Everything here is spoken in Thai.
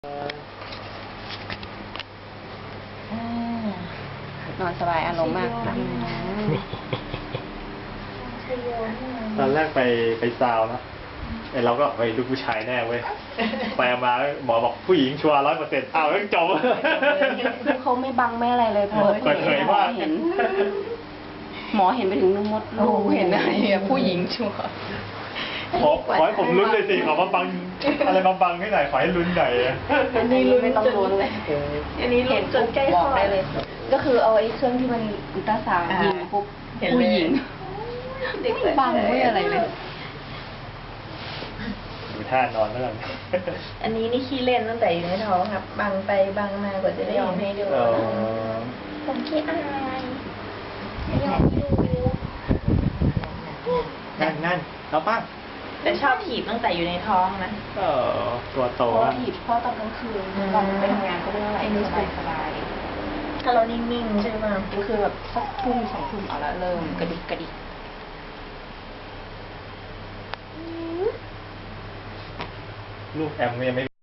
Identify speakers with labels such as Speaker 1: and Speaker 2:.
Speaker 1: นอนสบายอารมณ์มาก
Speaker 2: ตอนแรกไปซาวนะเราก็ไปดูผู้ชายแน่เว้ยไปมาหมอบอกผู้หญิงชัวร์100%อ้าวต้องจบ
Speaker 1: เขาไม่บังไม่อะไรเลยเปิดเผยหมอเห็นหมอเห็นไปถึงนุ่มมดลูกเห็นอะไรผู้หญิงชัวร์
Speaker 2: ขอให้ผมลุ้นเลยสิขอมาบังอะไรมาบังให้หน่อยขอให้ลุ้นหน่อย
Speaker 1: อันนี้ลุ้นไม่ต้องลุ้นเลย
Speaker 3: อันนี้ลุ้นจนใกล้คลอด
Speaker 1: ได้เลยก็คือเอาไอ้เครื่องที่มันอุลตราซาวด์ยิงปุ๊บผู้หญิงไม่บังไม่อะไรเลย
Speaker 2: ดูท่านอนแล้วกัน
Speaker 3: อันนี้นี่ขี้เล่นตั้งแต่อยู่ในท้องครับบังไปบังมากว่าจะได้ยอมให้ดูผมขี้อายไม่ยอมให้ดู
Speaker 2: นั่นเอาป้า
Speaker 3: แต่ชอบถีบตั้งแต่อยู่ในท้องนะ
Speaker 2: ตัวโต
Speaker 1: เพราะถีบเพราะตอนกลางคืนตอนไปทำงานก็ไม่เท่าไหร่สบาย
Speaker 3: ถ้าเรานิ่งๆใช่ไหม
Speaker 1: ก็คือแบบสักทุ่ม2 ทุ่มเอาละเริ่มกระดิกกระดิก
Speaker 2: ลูกแอมยังไม่